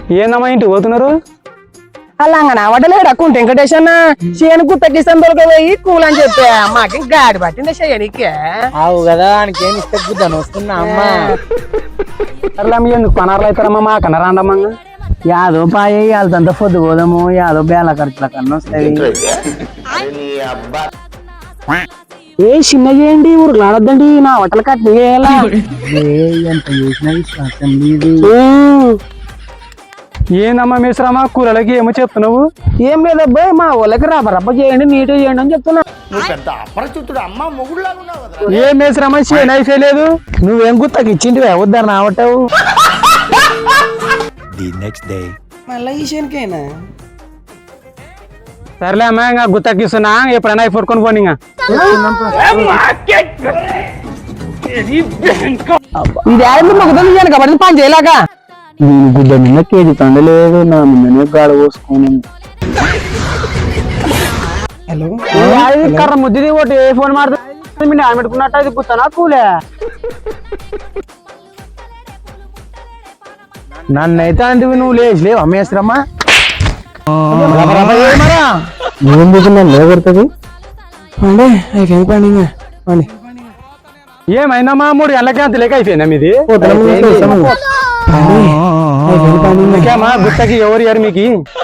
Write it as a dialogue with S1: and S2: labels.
S1: ఏందమ్మా ఇంటికి పోతున్నారు?
S2: అలాగనా వడలేడు అక్కుంటే వెంకటేష్ అన్న చేయను గుత్తకిస్తాను దొరకపోయి కూల్ అని చెప్పా మాకి గాడి పట్టింది చేయనికే
S3: అవు కదా ఆయనకేం ఇస్తే గుద్దాను వస్తున్నా అమ్మ.
S1: సర్లే ఎందుకు పనార్లు అవుతారమ్మా మా కన్నా రాండమ్మా.
S3: యాదో పాయ వాళ్ళంతా పొద్దు పోదాము యాదో బేల ఖర్చుల కన్నా వస్తాయి.
S2: ఏ చిన్న చేయండి ఊరికి ఆడొద్దండి నా హోటల్ కట్ని చేయాలా
S3: ఎంత చేసినా విశ్వాసం లేదు.
S1: ఏందమ్మా మిశ్రమా కూరలకి ఏమో చెప్తున్నావు?
S2: ఏం లేదబ్బాయి మా వాళ్ళకి రబ్బ చేయండి నీట్ చేయండి అని చెప్తున్నా.
S1: ఏం మిశ్రమా చేయను అయిపోయలేదు.
S2: నువ్వేం గుత్తకి ఇచ్చింటివే వద్దరు నావటావు మళ్ళీ ఈ శనికైనా
S1: సర్లే అమ్మా ఇంకా గుత్తకిస్తున్నా ఎప్పుడైనా అయి పట్టుకొని పోనీ.
S2: ఇది ఆడలు మొక్కలు ఇయ్యాను కాబట్టి పని చేయలేక
S3: నేను గుడ్డ మీద కేజీ తండలేదు నా మీదనే గాడ పోసుకొని.
S2: హలో
S1: కర్ర ముద్ది ఒకటి ఏ ఫోన్ మాడుతుంది మీరు ఆమె పెట్టుకున్నట్టు అది గుర్తానా కూలే.
S3: నన్నైతే అంటే నువ్వు లేచిలేవు అమ్మేశ్రమ్మా
S2: ఏం దిగున్నా లేకొడుతుంది పండి అయిపోయింది పండి పండి
S1: ఏమైందమ్మా 3 గంటలకి అంత లేక అయిపోయిందా మీది?
S2: అయిపోయింది పండి
S1: గుత్తకి ఎవరు మీకు?